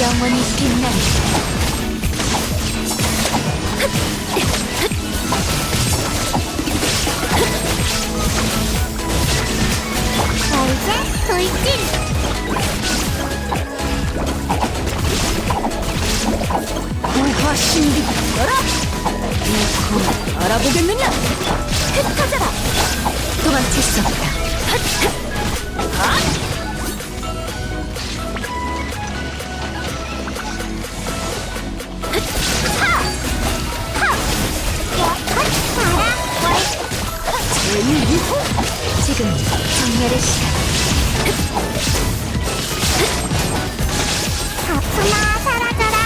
영원히 빛나리. 이제 돌진! 구화 신비 열어! 이 알아보겠느냐? 흩어져라! 도망칠 수 없다. 제일유호! 지금 정렬의 시간. 아프나 사라져라!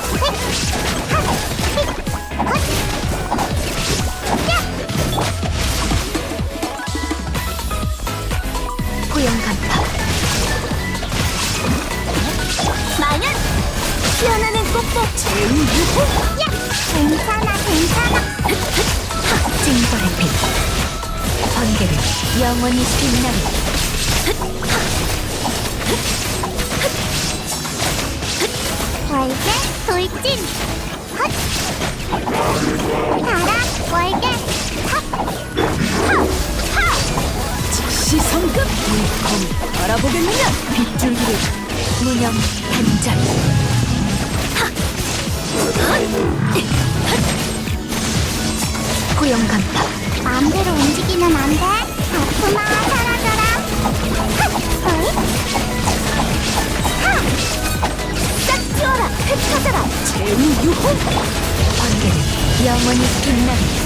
고용 간파. 마련! 피어나는 꼭꼭 제일유호! 괜찮아, 괜찮아! 징벌의 빛. 번개를 영원히 빛나리. 월계 돌진! 헛! 가라 월계! 즉시 성급! 일kom 알아보겠느냐? 빗줄기를 무념 단절. 고용 간파. 마음대로 움직이면 안 돼! 아프나 사라져라! 싹 튀어라! 흩어져라! 제일유호! 번개를 영원히 빛나리.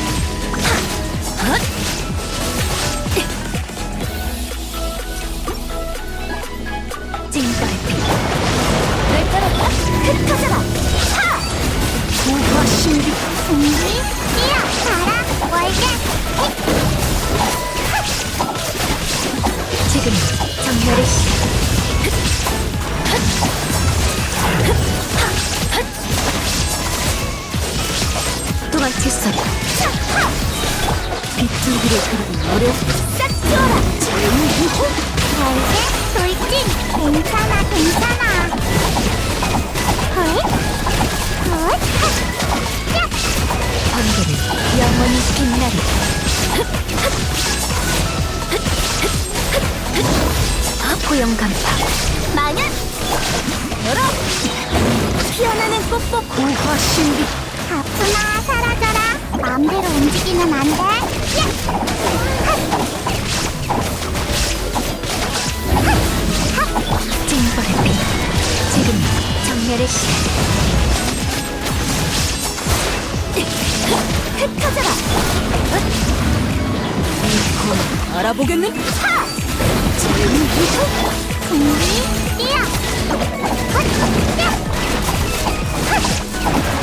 징벌의 빛. 날 따라가! 흩어져라! 구화 신비. 준비 뛰어! 가라 월계! 지금 정렬의 시간. 도망칠 수 없다. 빗줄기를 그리고 노래 싹 튀어라! 제일유호! 월계 돌진! 괜찮아, 괜찮아! 헐! 헐! 번개를 영원히 빛나리. 고용 간파. 마련! 열어! 피어나는 뽁뽁 구화 신비. 아프나 사라져라! 마음대로 움직이면 안 돼! 징벌의 빛. 지금 정렬의 시간. 흩어져라! 일kom 알아보겠는? 제일유호! 준비 뛰어! 헛! 야! 헛!